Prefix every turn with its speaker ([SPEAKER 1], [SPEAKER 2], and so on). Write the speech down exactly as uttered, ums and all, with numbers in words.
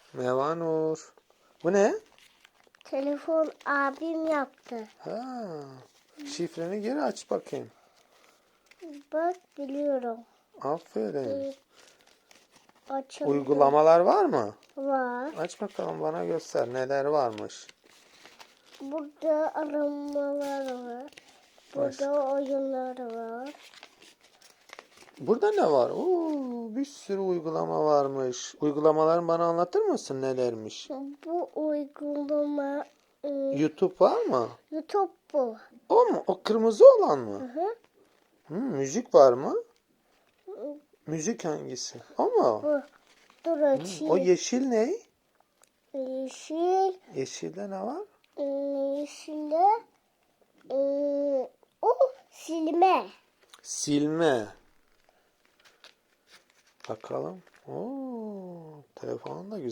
[SPEAKER 1] Merhaba Nur. Bu ne?
[SPEAKER 2] Telefon abim yaptı.
[SPEAKER 1] Ha, şifreni geri aç bakayım.
[SPEAKER 2] Bak biliyorum.
[SPEAKER 1] Aferin.
[SPEAKER 2] Ee, Açıldı.
[SPEAKER 1] Uygulamalar var mı?
[SPEAKER 2] Var.
[SPEAKER 1] Aç bakalım, bana göster neler varmış.
[SPEAKER 2] Burada aramalar var. Burada
[SPEAKER 1] Başka?
[SPEAKER 2] oyunlar var.
[SPEAKER 1] Burada ne var? Oo, bir sürü uygulama varmış. Uygulamalarını bana anlatır mısın, nelermiş?
[SPEAKER 2] Bu uygulama e,
[SPEAKER 1] YouTube var mı?
[SPEAKER 2] YouTube bu.
[SPEAKER 1] O mu? O kırmızı olan
[SPEAKER 2] Hı
[SPEAKER 1] mı?
[SPEAKER 2] hı.
[SPEAKER 1] Hı, müzik var mı? Müzik hangisi? O mu?
[SPEAKER 2] Bu. Dur
[SPEAKER 1] Hı,
[SPEAKER 2] açayım.
[SPEAKER 1] o yeşil ne?
[SPEAKER 2] Yeşil.
[SPEAKER 1] Yeşilde ne var?
[SPEAKER 2] e, Yeşilde. e, O silme.
[SPEAKER 1] Silme. Bakalım. Oo, telefonun da güzel.